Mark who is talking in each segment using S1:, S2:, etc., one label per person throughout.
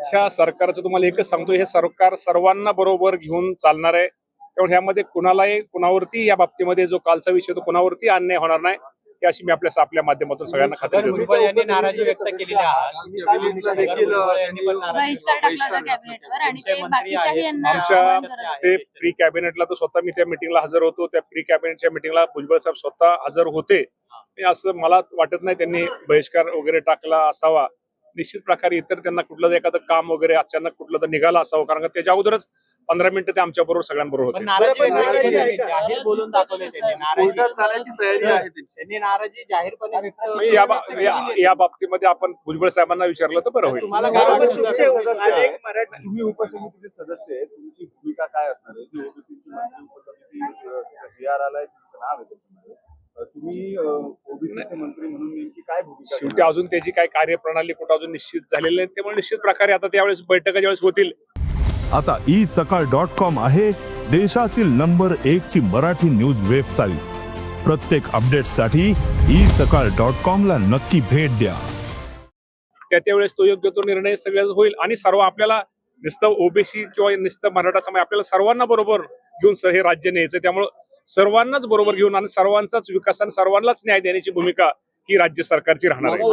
S1: ह्या सरकारचं तुम्हाला एकच सांगतो, हे सरकार सर्वांना बरोबर घेऊन चालणार आहे. त्यामुळे ह्यामध्ये कुणालाही कुणावरती या बाबतीमध्ये जो कालचा विषय तो कुणावरती अन्याय होणार नाही, ही अशी मी आपल्या माध्यमातून सगळ्यांना खात्री देतो.
S2: भुजबळ यांनी नाराजी व्यक्त केलेली आहे.
S3: बहिष्कार टाकला होता कॅबिनेटवर आणि ते बाकीच्याही यांना
S1: आमच्या
S3: आवाहन करत होते.
S1: ते प्री कॅबिनेटला तर स्वतः मी त्या मिटिंगला हजर होतो. त्या प्री कॅबिनेटच्या मिटिंगला भुजबळ साहेब स्वतः हजर होते. असं मला वाटत नाही त्यांनी बहिष्कार वगैरे टाकला असावा. निश्चित प्रकारे इतर त्यांना कुठलं एखादं काम वगैरे अचानक कुठलं तर निघालं असावं, कारण त्याच्या अगोदरच 15 मिनिटं ते आमच्या बरोबर सगळ्यांबरोबर होते.
S2: जाहीर बोलून दाखवले त्यांनी नाराजी जाहीरपणे व्यक्त.
S1: या बाबतीमध्ये आपण भुजबळ साहेबांना विचारलं तर बरं होईल.
S2: तुम्हाला काय वाटतं?
S4: तुम्ही उपसमितीचे सदस्य आहे, तुमची भूमिका काय असणार आहे? जी ओबीसीची उपसमिती जी आर आलाय, तुमचं नाव आहे त्याच्यामध्ये, तुम्ही ओबीसीचे मंत्री म्हणून नेमकी काय भूमिका?
S1: शेवटी अजून त्याची काय कार्यप्रणाली कुठं अजून निश्चित झालेली नाही, त्यामुळे निश्चित प्रकारे आता त्यावेळेस बैठका ज्यावेळेस होतील.
S5: आता isakal.com आहे देशातील नंबर 1 ची मराठी न्यूज वेबसाईट. प्रत्येक अपडेटसाठी isakal.com ला नक्की भेट द्या.
S1: त्यावेळेस तो योग्य तो निर्णय सगळ्याच होईल आणि सर्व आपल्याला नुसतं ओबीसी किंवा नुसतं मराठा समाज आपल्याला सर्वांना बरोबर घेऊन हे राज्य न्यायचं. त्यामुळे सर्वांनाच बरोबर घेऊन आणि सर्वांचाच विकास आणि सर्वांनाच न्याय देण्याची भूमिका ही राज्य सरकारची राहणार आहे.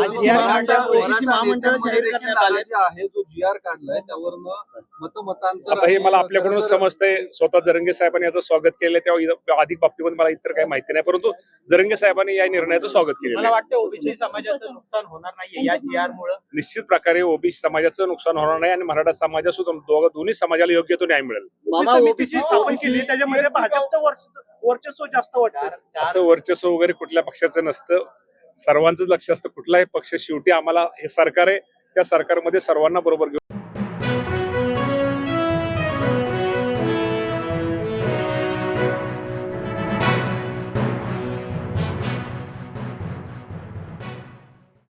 S1: आता हे मला आपल्याकडून समजतंय. स्वतः जरंगे साहेबांनी याचं स्वागत केलं, तेव्हा अधिक बाबतीमध्ये मला इतर काही माहिती नाही, परंतु जरंगे साहेबांनी या निर्णयाचं स्वागत केलेलं
S2: मला
S1: आहे.
S2: वाटतं ओबीसी समाजाचं नुकसान होणार नाही या GR मुळे.
S1: निश्चित प्रकारे ओबीसी समाजाचं नुकसान होणार नाही आणि मराठा समाजासुद्धा दोन्ही समाजाला योग्य तो न्याय मिळेल.
S6: समितीची स्थापन केली त्याच्यामध्ये भाजपचं वर्चस्व जास्त वाटतं.
S1: असं वर्चस्व वगैरे कुठल्या पक्षाचं नसतं. सर्वांचंच लक्ष असतं. कुठलाही पक्ष शेवटी आम्हाला हे सरकार आहे, त्या सरकारमध्ये सर्वांना बरोबर घेऊन